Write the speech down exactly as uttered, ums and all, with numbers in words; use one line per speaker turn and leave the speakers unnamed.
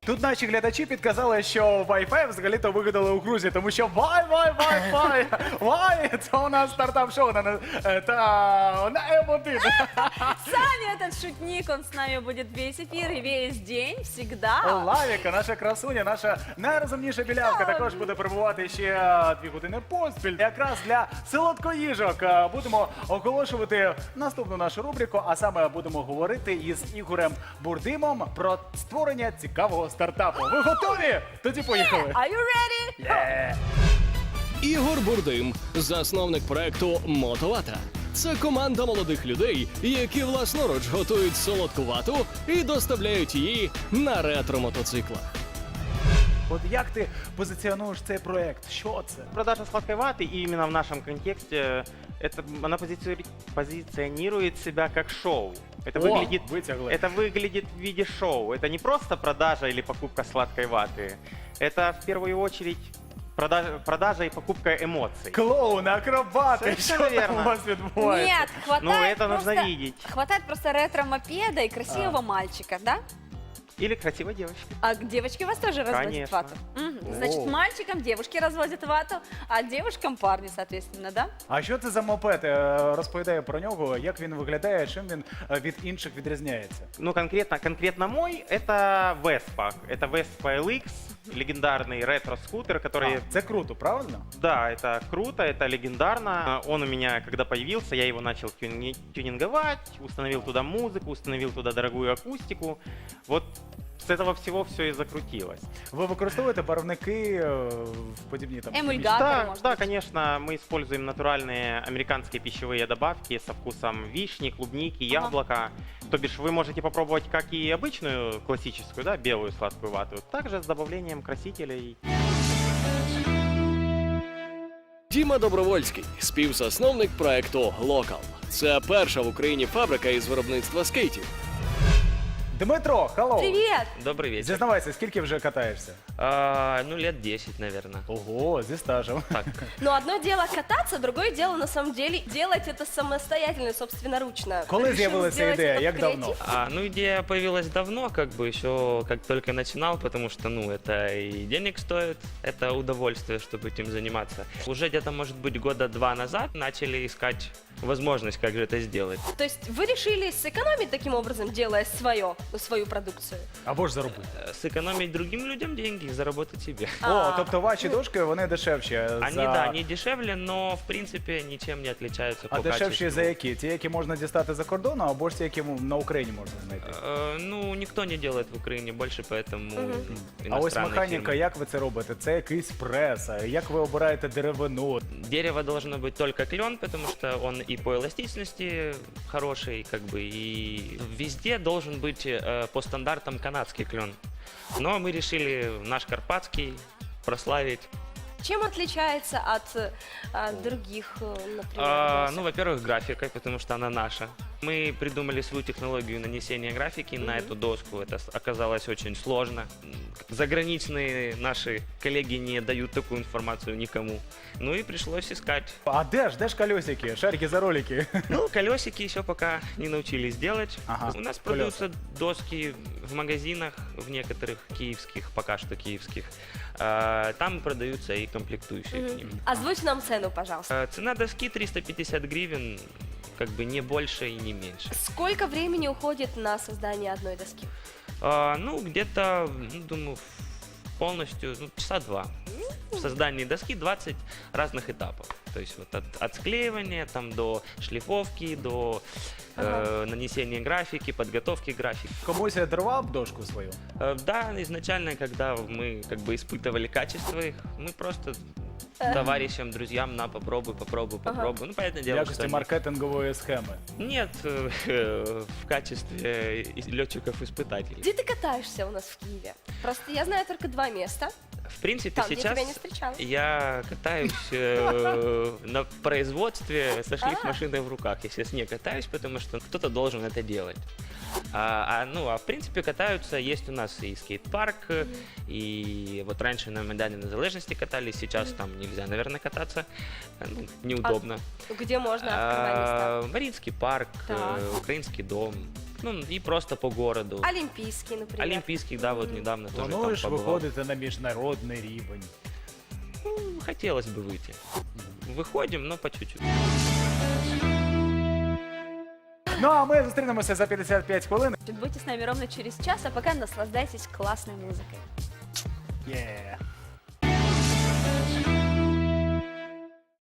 Тут наші глядачі підказали, що Wi-Fi взагалі-то вигадали у Грузії, тому що Вай, Вай, Wi-Fi, Вай, це у нас стартап-шоу на, е, та, на М один.
Саня, этот шутник, он с нами будет весь эфир и весь день, всегда.
Лавіка, наша красуня, наша найрозумніша білявка, також буде перебувати ще дві години поспіль. Якраз для солодкоїжок е, будемо оголошувати наступну нашу рубрику, а саме будемо говорити із Ігорем Бурдимом про створення цікавого стартапу. Ви готові? Тоді поїхали.
Are you ready?
Є!
Ігор Бурдим, засновник проекту Мотовата. Це команда молодих людей, які власноруч готують солодку вату і доставляють її на ретро-мотоциклах.
От як ти позиціонуєш цей проект? Що це?
Продажа сладкой ваты, и именно в нашем контексте, это, она позициони- позиционирует себя как шоу. Это,
О,
выглядит,
вытягла.
это выглядит в виде шоу. Это не просто продажа или покупка сладкой ваты. Это в первую очередь продажа, продажа и покупка эмоций.
Клоуни, акробати, що
Совершенно
там у
верно.
вас відбувається?
Нет, хватает
Ну, это нужно
просто,
видеть.
хватает просто ретро-мопеда и красивого
А.
мальчика, да?
Или красивой девочки.
А девочки у вас тоже разводят
Конечно.
вату? Мгм. Значит,
О.
мальчикам девушки разводят вату, а девушкам парни, соответственно, да?
А що це за мопед? Е, Розповідає про нього, як він виглядає, чим він е, від інших відрізняється.
Ну, конкретно, конкретно мой, это Vespa. Это Vespa эл ікс, легендарный ретро-скутер, который...
А, це круто, правильно?
Да, это круто, это легендарно. Он у меня, когда появился, я его начал тюни- тюнинговать, установил туда музыку, установил туда дорогую акустику. Вот с этого всего все и закрутилось.
Ви використовуєте барвники е, в подібні там?
Эмульгатор.
Да,
может
да,
быть.
конечно, мы используем натуральные американские пищевые добавки со вкусом вишни, клубники,
Ага.
яблока. То бишь вы можете попробовать как и обычную классическую, да, белую сладкую вату, также с добавлением красителей.
Діма Добровольський, співзасновник проекту Локал. Це перша в Україні фабрика із виробництва скейтів.
Дмитро, халлоу!
Привет!
Добрый вечер.
Зізнавайся, скільки вже катаєшся?
А, ну, лет десять, наверное.
Ого, зі стажем.
Так.
Но одно дело кататься, другое дело на самом деле делать это самостоятельно, собственноручно.
Коли
Решил
з'явилася
сделать
ідея?
это в
Як давно?
креатив.
А, ну, идея появилась давно, как бы еще как только начинал, потому что, ну, это и денег стоит, это удовольствие, чтобы этим заниматься. Уже где-то, может быть, года два назад начали искать возможность, как же это сделать.
То есть вы решили сэкономить таким образом, делая свое, свою продукцию?
Або ж заробити.
Э, Сэкономить другим людям деньги и заработать себе.
О,
А.
тобто ваші дошки, вони дешевші.
Они,
за...
да, они дешевле, но, в принципе, ничем не отличаются
А
по
дешевші
качеству.
за які? Ті, які можна дістати за кордону, або ж ті, які на Україні можна знайти?
Э, Ну, никто не делает в Украине больше, поэтому
А ось
иностранные
механіка,
фирмы.
як ви це робите? Це якийсь прес, а як ви обираєте деревину?
Дерево должно быть только клен, потому что он и по эластичности хороший, как бы, и везде должен быть э, по стандартам канадский клен. Но мы решили наш карпатский прославить.
Чем отличается от, от других, э, например,
А,
досок?
ну, во-первых, графикой, потому что она наша. Мы придумали свою технологию нанесения графики на эту доску. Это с- оказалось очень сложно. Заграничные наши коллеги не дают такую информацию никому. Ну и пришлось искать.
А де ж, де ж колесики, шарики за ролики?
Ну, колесики еще пока не научились делать.
Ага,
У нас
колеса.
продаются доски в магазинах, в некоторых киевских, пока что киевских. А, Там продаются и комплектующие к ним.
Озвучь нам цену, пожалуйста.
А, Цена доски триста пятьдесят гривен, как бы не больше и не меньше.
Сколько времени уходит на создание одной доски?
А, Ну, где-то, ну, думаю, полностью, ну, часа два. В создании доски двадцать разных этапов. То есть вот от, от склеивания там, до шлифовки, до э, нанесения графики, подготовки графики.
Комусь я дарував дошку свою?
Э, Да, изначально, когда мы как бы испытывали качество их, мы просто товарищам, друзьям, на, попробуй, попробуй, попробуй. Ну, понятное
В
дело,
якості
что они-
маркетингової схеми.
нет, э, в качестве летчиков-испытателей.
Где ты катаешься у нас в Киеве? Просто я знаю только два места.
В принципе,
Там, где
сейчас
тебя не встречала.
я катаюсь э, на производстве со
А.
шлифмашиной в руках. Я сейчас не катаюсь, потому что кто-то должен это делать. А, а, ну, а в принципе катаются, есть у нас и скейт-парк, э, и вот раньше на Майдане Незалежности катались, сейчас там нельзя, наверное, кататься, э, ну, неудобно.
Где можно открывать места?
А, Маринский парк,
Так.
э, Украинский дом, Ну, и просто по городу.
Олимпийский, например.
Олимпийский, да, вот недавно тоже там
Плануєш
побывал.
виходити на міжнародний рівень?
Ну, хотелось бы выйти. Выходим, но по чуть-чуть.
Ну а ми зустрінемося за п'ятдесят п'ять хвилин.
Будьте с нами ровно через час, а пока наслаждайтесь классной музыкой.
Yeah.